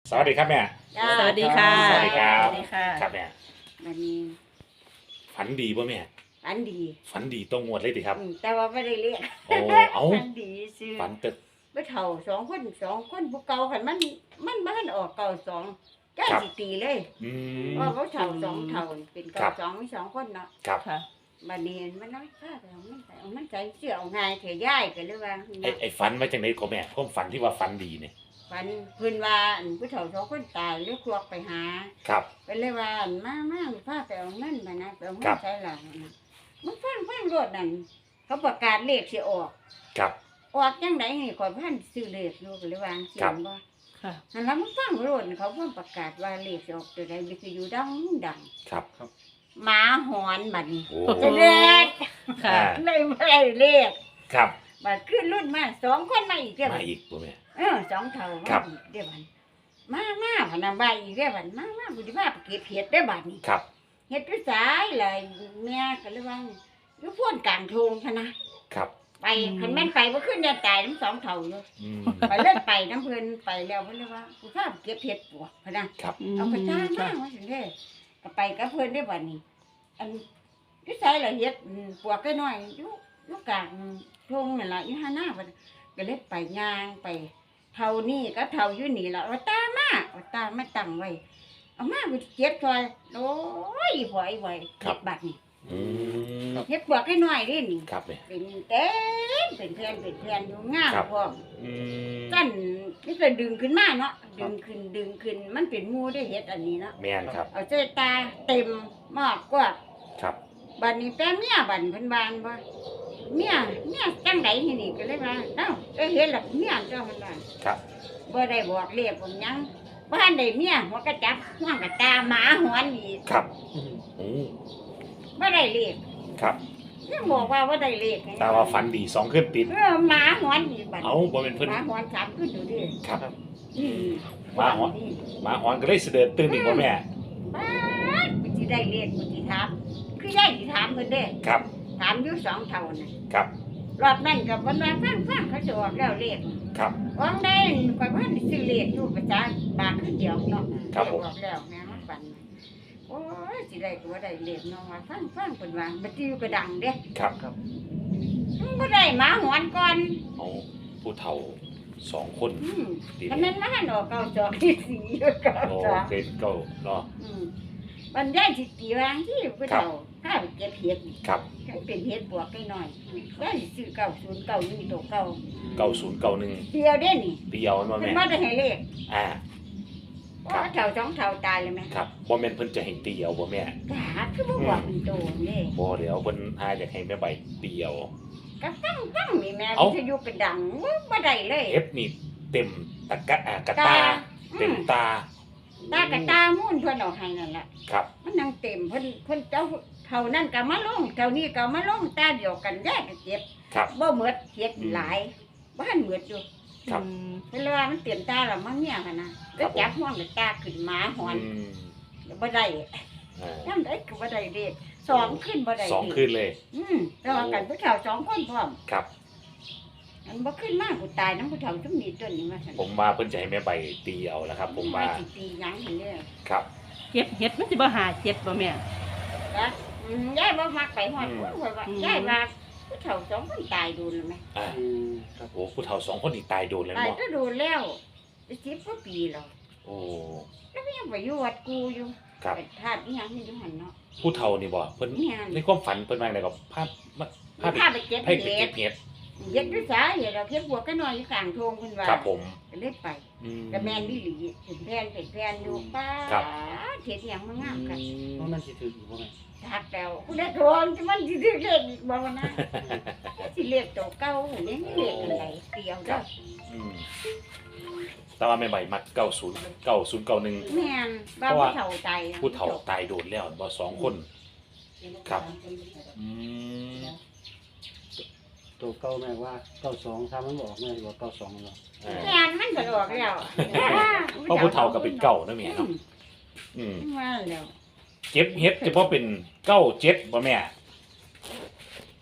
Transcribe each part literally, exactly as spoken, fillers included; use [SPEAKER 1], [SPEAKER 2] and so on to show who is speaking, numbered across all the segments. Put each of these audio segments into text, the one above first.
[SPEAKER 1] สวัสดีครับแม่
[SPEAKER 2] จ้า
[SPEAKER 3] สวัสดีค่ะ
[SPEAKER 1] สวัสดีครับ
[SPEAKER 3] สวัสดีค่ะ
[SPEAKER 1] ครับแม่
[SPEAKER 2] วันนี้
[SPEAKER 1] ฝันดีป่ะแม่
[SPEAKER 2] ฝันดี
[SPEAKER 1] ฝันดีต้องงวดเลยดิครับ
[SPEAKER 2] อืมแต่ว่าไม่ได้เรียก
[SPEAKER 1] โอ้เอ้า
[SPEAKER 2] ฝันดีซื้อ
[SPEAKER 1] ฝันตึก
[SPEAKER 2] ไปเท่าสองคนสองคนผู้เก่าคันมันมันบ้านออกเก่าสองจ้าสิตีเลย
[SPEAKER 1] อืม
[SPEAKER 2] ว่าเขาเท่าสองเท่าเป็น
[SPEAKER 1] ครั
[SPEAKER 2] เก่า
[SPEAKER 1] บ
[SPEAKER 2] สองมีสองคนเนาะ
[SPEAKER 1] ครับ
[SPEAKER 3] ค่ะ
[SPEAKER 2] บัดนี้มันน้อยค่าแต่มันใส่มันใจเสื้อเอาง่ายเถอะย่ายกันเลยว่า
[SPEAKER 1] ไอ้ไอ้ฝันมาจากไหนของแม่ผมฝันที่ว่าฝันดีเนี่ย
[SPEAKER 2] ฝันเพิ่นว่าอันผู้เฒ่าสองคนตายหรือควักไปหา
[SPEAKER 1] ครับ
[SPEAKER 2] เป็นเลยว่าอันมามาพาไปเอาเงินมานะไปเอาเงิ
[SPEAKER 1] ครั
[SPEAKER 2] น
[SPEAKER 1] บ
[SPEAKER 2] ใช้หลังนะมันฟังฟังรถนั่นเขาประกาศเลขสิออก
[SPEAKER 1] ครับ
[SPEAKER 2] ออกจังไดนี่ข่อยพันซื้อเลขอยู่ก็เลยวางเสี
[SPEAKER 1] ครั
[SPEAKER 2] ย
[SPEAKER 1] บ
[SPEAKER 2] งบ่
[SPEAKER 3] ค่ะ
[SPEAKER 2] อันนั้นมันฟังรถเขาเพิ่นประกาศว่าเลขสิออกตัวใดมันคืออยู่ดังดัง
[SPEAKER 1] ครับ
[SPEAKER 2] หมาหอนบัดนี้
[SPEAKER 1] โอ้
[SPEAKER 2] จะเด็ด
[SPEAKER 3] ค่ะ
[SPEAKER 1] อ่า
[SPEAKER 2] เลยบ่ได้เลข
[SPEAKER 1] ครับ
[SPEAKER 2] บัดขึ้นรุ่นมาสองคนมาอีกเด้อ
[SPEAKER 1] มา
[SPEAKER 2] บัด
[SPEAKER 1] อีกป่ะแม่
[SPEAKER 2] เออสองเท่า
[SPEAKER 1] ครั
[SPEAKER 2] มา
[SPEAKER 1] บ
[SPEAKER 2] อีกเด้อบัดมามาพนำใบอีกเด้อบัดมามาบุญมาไปเก็บเห็ดเด้อบัดนี้
[SPEAKER 1] ครับ
[SPEAKER 2] เฮ็ดด้วยสายเลยแม่ก็เลยว่าอยู่พ่นกลางโทงพะนะครับ ไป
[SPEAKER 3] อืม
[SPEAKER 2] คันแม่นไปบ่ขึ้นเดือนตายทั้งสองเท่าอยู่
[SPEAKER 1] อืม
[SPEAKER 2] ไปเลิกไปน้ำเพิ่นไปแล้วเพิ่นเลยว่ากูทราบเก็บเห็ดปวกพะนะครับ เอากระจายมาว่าซั่นเด้ก็ไปกับเพิ่นได้บัดนี้ อันด้วยสายละเฮ็ดอืมปวกก็น้อยอยู่อยู่กลางโทงนั่นล่ะอยู่หาหน้าบัดก็เลยไปย่างไป เท่านี้ก็เท่าอยู่นี่ล่ะว่าตามมาว่าตามมาตั้งไว้เอามากูเก็บซอยโอ้ยหอยไว้เก็บบัดนี้
[SPEAKER 1] อืม
[SPEAKER 2] เฮ็ดปวกให้น้อยเด้นี่
[SPEAKER 1] ครับแม่
[SPEAKER 2] เป็นเต็มเป็นเพื่อนเป็นเพื่อนอยู่งาม
[SPEAKER 1] ครับ
[SPEAKER 2] พร้อม
[SPEAKER 1] อืม
[SPEAKER 2] กั้นนี่ก็ดึงขึ้นมาเนาะดึงขึ้นดึงขึ้นมันเป็นหมู่ได้เฮ็ดอันนี้เนาะ
[SPEAKER 1] แม่นครับ
[SPEAKER 2] เอาใจตาเต็มมากกว่า
[SPEAKER 1] ครับ
[SPEAKER 2] บัดนี้แต่เมียบัดเพิ่นบานบ่เมียเมียจังไดนี่นี่ก็เลยว่าเอ้าเอ้ยเฮ็ดล่ะเมียเจ้าเพิ่นว่า
[SPEAKER 1] ครับ
[SPEAKER 2] บ่ได้บอกเรียกผมหยังบ้านได้เมียหัวกระจับหัวกระตาหมาหอนอีก
[SPEAKER 1] ครับอืม
[SPEAKER 2] บ่ได้เรียก
[SPEAKER 1] ครับ
[SPEAKER 2] ยังบอกว่าบ่ได้เรียก
[SPEAKER 1] แต่ว่าฝันดีสองขึ้นติด
[SPEAKER 2] เออหมาหอนอีกบัด
[SPEAKER 1] เอาบ่เป็นเพิ่น
[SPEAKER 2] หมาหอนสามขึ้นอยู่ดิ
[SPEAKER 1] ครับ
[SPEAKER 2] อืม
[SPEAKER 1] หมาหอน หมาหอนก็เลยเสด็จตื่นอีกบ่แม่
[SPEAKER 2] บ้านกูสิได้เรียกกูสิถามคือยายสิถามเพิ่นเด้
[SPEAKER 1] ครับ
[SPEAKER 2] ถามอยู่สองเท่าน่ะ
[SPEAKER 1] ครับ
[SPEAKER 2] รอบนั้นก็บ่ว่าฟังฟังเขาสิออกแล้วเรียก
[SPEAKER 1] ครับ
[SPEAKER 2] วางได้ข่อยบ่ได้ซื้อเรียกอยู่ประจาบาทคือเดียวเนาะ
[SPEAKER 1] ครับผม
[SPEAKER 2] ออกแล้วแม่มาฝันโอ้ยสิได้ก็บ่ได้เรียกน้องว่าฟังฟังเพิ่นว่าบ่ติวก็ดังเด้
[SPEAKER 1] ครับครับ
[SPEAKER 2] มันบ่ได้หมาหอนก่อน
[SPEAKER 1] เอาผู้เฒ่าสองคน
[SPEAKER 2] อืม
[SPEAKER 1] ดี
[SPEAKER 2] คันนั้นมาหันออกเก้าจอกที่สี่อยู่เก้า
[SPEAKER 1] โอ้
[SPEAKER 2] จอก
[SPEAKER 1] เกรดเก้าเนาะ
[SPEAKER 2] อืมบรรยายสิตีวางที่ผู้เฒ่าข้าไปเก็บเห็ดนี่
[SPEAKER 1] ครับ
[SPEAKER 2] ให้เป็นเห็ดบวกน้อยๆได้ซื้อเก้าศูนย์เก้านี่ตัวเก้า
[SPEAKER 1] เก้าศูนย์เก้าหนึ่ง
[SPEAKER 2] เดียวเด้นี่
[SPEAKER 1] เดียวมา
[SPEAKER 2] เพิ่น
[SPEAKER 1] แม่
[SPEAKER 2] บ่ได้ให้เลข
[SPEAKER 1] อ่า
[SPEAKER 2] เพราะว่าเฒ่าสองเฒ่าตายเลยแม่
[SPEAKER 1] ครับบ่แม่นเพิ่นจะให้เตียวบ่แม่
[SPEAKER 2] กาคือบ่บอกเป็นโตนี่
[SPEAKER 1] บ่เดี๋ยวเพิ่นอาอยากให้แม่ใบเตียว
[SPEAKER 2] ก็ตั้งตั้งนี่แม่
[SPEAKER 1] เอ้า
[SPEAKER 2] วิทยุเป็นดังบ่ได้เลย
[SPEAKER 1] เอฟนี่เต็มตะกะอ่ากระตา เต็มตา
[SPEAKER 2] ตากะตามุ่นเพิ่นเอาให้นั่นแหละ
[SPEAKER 1] ครับ
[SPEAKER 2] มันนั่งเต็มเพิ่นเพิ่นเจ้าเท่านั้นก็มาลงเท่านี้ก็มาลงตาเดียวกันแยกกันเจ็บ
[SPEAKER 1] ครับ
[SPEAKER 2] บ่หมดเฮ็ดหลายบ่ทันหมดอยู่
[SPEAKER 1] ครับ
[SPEAKER 3] อืม
[SPEAKER 2] เพิ่นเลยว่ามันเต็มตาแล้วมันเมียหั่นน่ะก็จับห่วงกับตาขึ้นหมาหอน
[SPEAKER 1] อืม
[SPEAKER 2] บ่ได้
[SPEAKER 1] อ่า
[SPEAKER 2] นำได้ก็บ่ได้เด้สองขึ้นบ่ได้
[SPEAKER 1] สอง
[SPEAKER 2] เด้
[SPEAKER 1] คืนเลย
[SPEAKER 2] อืมแต่ว่ากันผู้เฒ่าสองคนพร้อม
[SPEAKER 1] ครับ
[SPEAKER 2] อันบ่ขึ้นมากูตายนำผู้เฒ่าซุมนี้ต้นนี้มาซั่น
[SPEAKER 1] ผมว่าเพิ่นจะให้แม่ใบเตียวแล้วครับ ผมว่า
[SPEAKER 2] สิตีหยังหั่นเด้อ
[SPEAKER 1] ครับ
[SPEAKER 3] เจ็บเห็ดมันสิบ่หาเจ็บบ่แม่
[SPEAKER 2] นะอืมยายบ่มักไปฮอด
[SPEAKER 1] อืม
[SPEAKER 2] ผู้ว่า
[SPEAKER 3] อืม
[SPEAKER 2] ยายว่าผู้เฒ่าสองคนตายโดนแล้วแม่
[SPEAKER 1] อ่าโอ้ผู้เฒ่าสองคนนี่ตายโดนแล้ว
[SPEAKER 2] ตาย
[SPEAKER 1] เนาะ
[SPEAKER 2] ก็โดนแล้วสิบกว่าปีแล้ว
[SPEAKER 1] โอ้
[SPEAKER 2] แล้วก็ยังไปอยู่วัดกูอยู่
[SPEAKER 1] ครับ
[SPEAKER 2] ไปธาตุอีหยังนี่อยู่หั่นเนาะ
[SPEAKER 1] ผู้เฒ่านี่บ่เพิ่น
[SPEAKER 2] เนี่ย
[SPEAKER 1] ในความฝันเพิ่นว่าไงกับภาพมาภาพ
[SPEAKER 2] พาไปเก็บ
[SPEAKER 1] ให้
[SPEAKER 2] เห็
[SPEAKER 1] ไปเก็
[SPEAKER 2] ด
[SPEAKER 1] บเห็ด
[SPEAKER 2] เฮ็ดด้วยสาเหตุเราเก็บบัวก็นอนอยู่กลางโทงเพิ่นว่า
[SPEAKER 1] ครับผม
[SPEAKER 2] ก็เลยไป
[SPEAKER 1] อืม
[SPEAKER 2] ก็แม่นอีหลีเป็นแผ่นเป็นแผ่นอยู่ป้า
[SPEAKER 1] ครับ
[SPEAKER 2] เฮ็ดหยังมางามกัน
[SPEAKER 4] เพราะมันสิถืออยู่บ่แม่
[SPEAKER 2] ทักแล้วคุณได้โทนมันสิเรียกเลขอีกบ่วะนะสิเรียกตัวเก่านี่เรียกอะไรเดียว
[SPEAKER 1] ครั
[SPEAKER 2] เด้อบ
[SPEAKER 1] อืมแต่ว่าแม่ใบมักเก้าศูนย์เก้าศูนย์เก้าหนึ่ง
[SPEAKER 2] แม่นบ้า
[SPEAKER 1] เพราะ
[SPEAKER 2] ผู้
[SPEAKER 1] ว่า
[SPEAKER 2] เฒ่าใจ
[SPEAKER 1] ผู้เฒ่าตายโดนแล้วบ่สองคน ครับอืม
[SPEAKER 4] ตัวเก้าแม่ว่าเก้าสองถ้ามันบอกแม่สิว่าเก้าสองเนาะ
[SPEAKER 1] อ่า
[SPEAKER 2] แม่นมันก็ออกแล้ว
[SPEAKER 1] เพราะผู้เฒ่าก็เป็นเก้านะแม่เนาะอืม
[SPEAKER 2] ว่าแล้ว
[SPEAKER 1] เจ็บเฮ็ดเฉพาะเป็นเก้าเจ็ดบ่แม่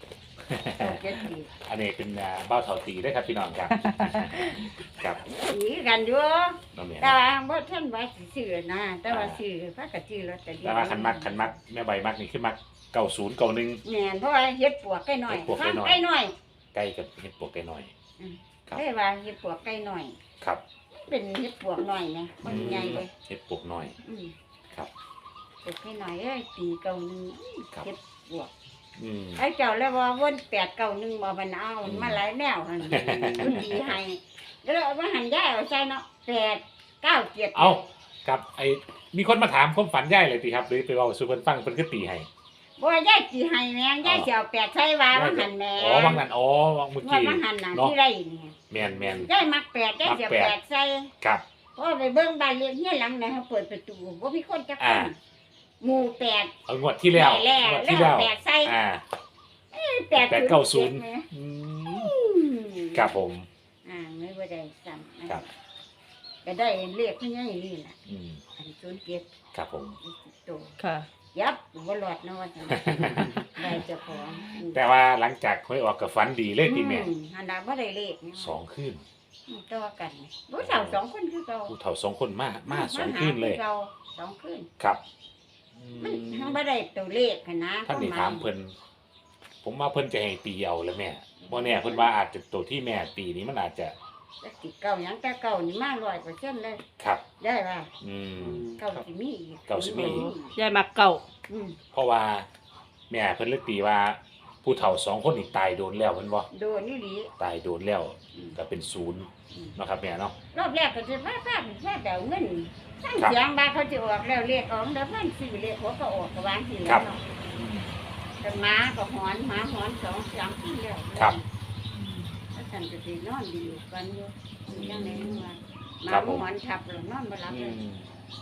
[SPEAKER 2] เก้าเจ็ดตี
[SPEAKER 1] อันนี้เป็นอ่าเบ้าเถาตีได้อครับพี่น้องครับ ครับ
[SPEAKER 2] ตีกันอยู่
[SPEAKER 1] น้องแม่
[SPEAKER 2] แต่ว่าบ่ท่านว่าสิซื้อนะแต่ว่าซื้อพระกะซื้อลอตเตอรี่
[SPEAKER 1] แต่ว่าคันมักคันมักแม่ใบมักนี่คือมักเก้าศูนย์เก้าหนึ่ง
[SPEAKER 2] แม่นเพราะว่าเฮ็ดปวกไก่น้อย
[SPEAKER 1] เฮ็ดปวกไก่น้อย
[SPEAKER 2] ไก่น้อย
[SPEAKER 1] ใกล้กับเห็ดปวกไก่น้อย ครับ
[SPEAKER 2] ได้ว่าเฮ็ดปวกไก่น้อย
[SPEAKER 1] ครับ
[SPEAKER 2] เป็นเฮ็ดปวกน้อยนะบ่ใหญ่เลย
[SPEAKER 1] เห็ดปวกน้อย
[SPEAKER 2] อืม
[SPEAKER 1] ครับ
[SPEAKER 2] ปวกไก่น้อยเอ้ยตีเก่าหนึง
[SPEAKER 1] ครับ
[SPEAKER 2] เฮ็ดปวก
[SPEAKER 1] อืม
[SPEAKER 2] ไอ้เจ้าแล้วว่าวนแปดเก่าหนึงบ่มันเอามันมาหลายแนวหั่นมันดีให้แล้วเอามาหันย้ายเอาใส่เนาะแปดเก้าเจ็ด
[SPEAKER 1] เอาครับไอ้มีคนมาถามความฝันย่ายเลยติครับหรือไปเว้าสู่เพิ่นฟังเพิ่นคือตีให้
[SPEAKER 2] บ่ย้ายสิให้แม่งย้ายสิเอาแปดใส่ว่าว่าหันแม่
[SPEAKER 1] อ๋อวังนั้นอ๋อวังเมื่อ
[SPEAKER 2] ว่า
[SPEAKER 1] กี้
[SPEAKER 2] ว่าหันน่ะ
[SPEAKER 1] เนาะ
[SPEAKER 2] ที่ไรนี่
[SPEAKER 1] แม่นแม่น
[SPEAKER 2] ย้ายมักแปดย้ายสิเอา
[SPEAKER 1] มักแปด
[SPEAKER 2] แปดใส่
[SPEAKER 1] ครับ
[SPEAKER 2] เพราะไปเบิ่งบ้านเลี้ยงเฮียหลังนะเขาเปิดประตูบ่มีคนจักค
[SPEAKER 1] อ่า
[SPEAKER 2] นหมู่แปด
[SPEAKER 1] เอางวดที่แล้ว
[SPEAKER 2] ได้แล้ว
[SPEAKER 1] งวด
[SPEAKER 2] แล้
[SPEAKER 1] ที่
[SPEAKER 2] ว
[SPEAKER 1] แล้ว
[SPEAKER 2] แปดใส่
[SPEAKER 1] อ่า
[SPEAKER 2] แปด
[SPEAKER 1] แปดเก้าศูนย์
[SPEAKER 2] จ็ดแหม
[SPEAKER 1] อืม
[SPEAKER 2] อืม
[SPEAKER 1] ครับผม
[SPEAKER 2] อ่าไม่ว่าได้ซ้ำนะครับ ก็ได้เลขเพิ่นยังนี่ล่ะ
[SPEAKER 1] อืม
[SPEAKER 2] อันศูนย์เจ็ด
[SPEAKER 1] ครับผม
[SPEAKER 2] โต
[SPEAKER 3] ค่ะ
[SPEAKER 2] ยับบ่รอดเนาะว่าจังได้เจ้าของอืม
[SPEAKER 1] แต่ว่าหลังจากหวยออกกับฝันดีเลยติแม่
[SPEAKER 2] อือันนั้นบ่ได้เลขนะ
[SPEAKER 1] สองคืน
[SPEAKER 2] อืมต่อกันบ่เท่าสองคนคือเก่า
[SPEAKER 1] ผู้เฒ่าสองคนมามาสองคืนเลย
[SPEAKER 2] มาหาคือก่าสองคืน
[SPEAKER 1] ครับ
[SPEAKER 2] มันทั้งบ่ได้ตัวเลขหั้นนะ
[SPEAKER 1] ท่านนี่ถามเพิ่นผมว่าเพิ่นจะให้ตีเอาแล้วแม่บ่แน่เพิ่นว่าอาจจะตัวที่แม่ตีนี้มันอาจจะ
[SPEAKER 2] จะติดเก่าหยังแต่เก่านี่มาร้อยเปอร์เซ็นต์เลย
[SPEAKER 1] ครับ
[SPEAKER 2] ได้ว่า
[SPEAKER 1] อืม
[SPEAKER 2] เก่าสิมีอีก
[SPEAKER 1] เก่าสิมีอีก
[SPEAKER 3] ยายมักเก่า
[SPEAKER 2] อืม
[SPEAKER 1] เพราะว่าแม่เพิ่นเลยตีว่า ผู้เฒ่าสองคนนี่ตายโดนแล้วเพิ่นบ่
[SPEAKER 2] โดนนี่หลี
[SPEAKER 1] ตายโดนแล้ว
[SPEAKER 2] อืม
[SPEAKER 1] ก็เป็นศูนย์
[SPEAKER 2] อืม
[SPEAKER 1] เนาะครับแม่เนาะ
[SPEAKER 2] รอบแรกก็จะว่าภาพว่าแต่เงินสร้าง
[SPEAKER 1] ครับ
[SPEAKER 2] เสียงบาเขาจะออกแล้วเรียกออกแล้วมันซื้อเรียกหัวก็ออกก็วางที
[SPEAKER 1] ครั
[SPEAKER 2] แล้ว
[SPEAKER 1] บ
[SPEAKER 2] เนาะแต่หมาก็หอนหมาหอนสองสามทีแล้ว
[SPEAKER 1] ครับ
[SPEAKER 2] ถ้าฉันจะไปนอนดีอยู่กันอยู่ยังไงเมื่อวานหมา
[SPEAKER 1] ครับผม
[SPEAKER 2] หอนทับแล้วนอนบ่หลับ
[SPEAKER 1] อื
[SPEAKER 2] เลย
[SPEAKER 1] ม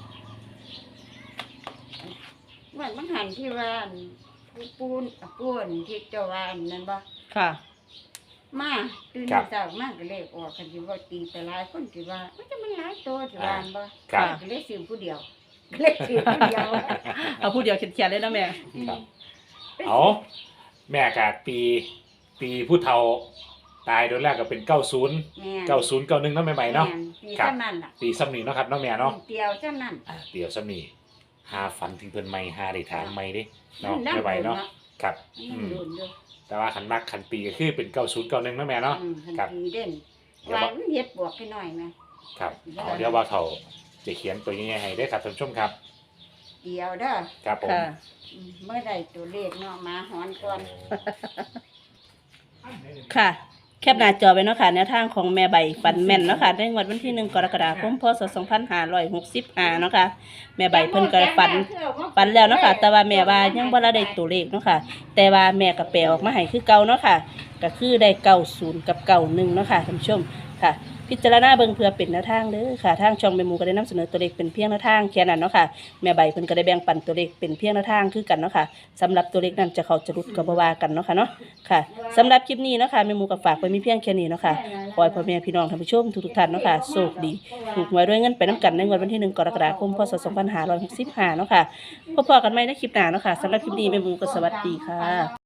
[SPEAKER 2] เหมือนมันหันที่ว่าอันปูปูนอ่ะปูนที่เจ้าว่าอันนั่นบ่
[SPEAKER 3] ค่ะ
[SPEAKER 2] มาตื่น
[SPEAKER 1] ครับ
[SPEAKER 2] เช้ามาก็เลยออกกันสิว่าตีแต่หลายคนสิว่ามันจะมันหลายตัวสิว่าอันบ่
[SPEAKER 1] ครับ
[SPEAKER 2] ก็เลยซื้อผู้เดียวก็เลยซื้อผู้เดียว
[SPEAKER 3] เอาผู้เดียวเขียนๆเลยนะแม่
[SPEAKER 1] ครับ เอาแม่กะปีปีผู้เฒ่าตายโดนแรกก็เป็นเก้าศูนย์
[SPEAKER 2] แม่น
[SPEAKER 1] เก้าศูนย์เก้าหนึ่งเนาะใหม่ๆเนาะ
[SPEAKER 2] แม่ปี
[SPEAKER 1] ครับ
[SPEAKER 2] เท่านั้นล่ะ
[SPEAKER 1] ปีซ้ำนี้เนาะครับเนาะแม่เนาะ
[SPEAKER 2] เดียวเท่านั้น
[SPEAKER 1] อ่าเดี๋ยวซ้ำนี้หาฝันถึงเพิ่นใหม่หาได้ถามใหม่เด้
[SPEAKER 2] มั
[SPEAKER 1] เนาะ
[SPEAKER 2] นั่ง
[SPEAKER 1] ไม่ไหว
[SPEAKER 2] โดน
[SPEAKER 1] เนาะ
[SPEAKER 2] เนาะ
[SPEAKER 1] ครับ
[SPEAKER 2] นั่
[SPEAKER 1] อื
[SPEAKER 2] ง
[SPEAKER 1] ม
[SPEAKER 2] โดนอยู่
[SPEAKER 1] แต่ว่าขันมักขันปีก็คือเป็นเก้าศูนย์เก้าหนึ่งเนาะแม่เนาะ
[SPEAKER 2] อืมทัน
[SPEAKER 1] ครับ
[SPEAKER 2] ทีเด่น
[SPEAKER 1] เดี๋ยว
[SPEAKER 2] ว่า
[SPEAKER 1] ว่า
[SPEAKER 2] มันเฮ็ดบวกไปหน่อยไหม
[SPEAKER 1] ครับเอาเดี๋ยวว่าเขาจะเขียนตัวยังไงให้ได้อครับท่านผู้ชมครับ
[SPEAKER 2] เดียวเด้อ
[SPEAKER 1] ครับผม
[SPEAKER 3] ค่ะ
[SPEAKER 2] อืมเมื่อใดตัวเลขเนาะมาหอนก่อน
[SPEAKER 3] ค่ะ แคปหน้าจอไว้เนาะค่ะแนวทางของแม่ใบฟันแม่นเนาะค่ะในงวดวันที่หนึ่งกรกฎาคมพศสองพันห้าร้อยหกสิบห้าเนาะค่ะแม่ใบเพิ่นก็ฝันฝันแล้วเนาะค่ะแต่ว่าแม่ว่ายังบ่ได้ตัวเลขเนาะค่ะแต่ว่าแม่ก็แปลออกมาให้คือเก่าเนาะค่ะก็คือได้เก้าศูนย์กับเก้าหนึ่งเนาะค่ะท่านผู้ชมค่ะ พิจารณาเบิ่งเพื่อเป็นแนวทางเด้อค่ะทางช่องแม่หมูก็ได้นำเสนอตัวเลขเป็นเพียงแนวทางแค่นั้นเนาะค่ะแม่ใบเพิ่นก็ได้แบ่งปันตัวเลขเป็นเพียงแนวทางคือกันเนาะค่ะสำหรับตัวเลขนั้นจะเข้าจะหลุดก็บ่ว่ากันเนาะค่ะเนาะค่ะสำหรับคลิปนี้เนาะค่ะแม่หมูก็ฝากไว้มีเพียงแค่นี้เนาะค่ะขอให้พ่อแม่พี่น้องท่านผู้ชมทุกๆท่านเนาะค่ะโชคดีถูกหวยด้วยเงินไปนํกันในงวดวันที่หนึ่งกรกฎาคมพศสองพันห้าร้อยหกสิบห้าเนาะค่ะพบกันใหม่ในคลิปหน้าเนาะค่ะสำหรับคลิปนี้แม่หมูก็สวัสดีค่ะ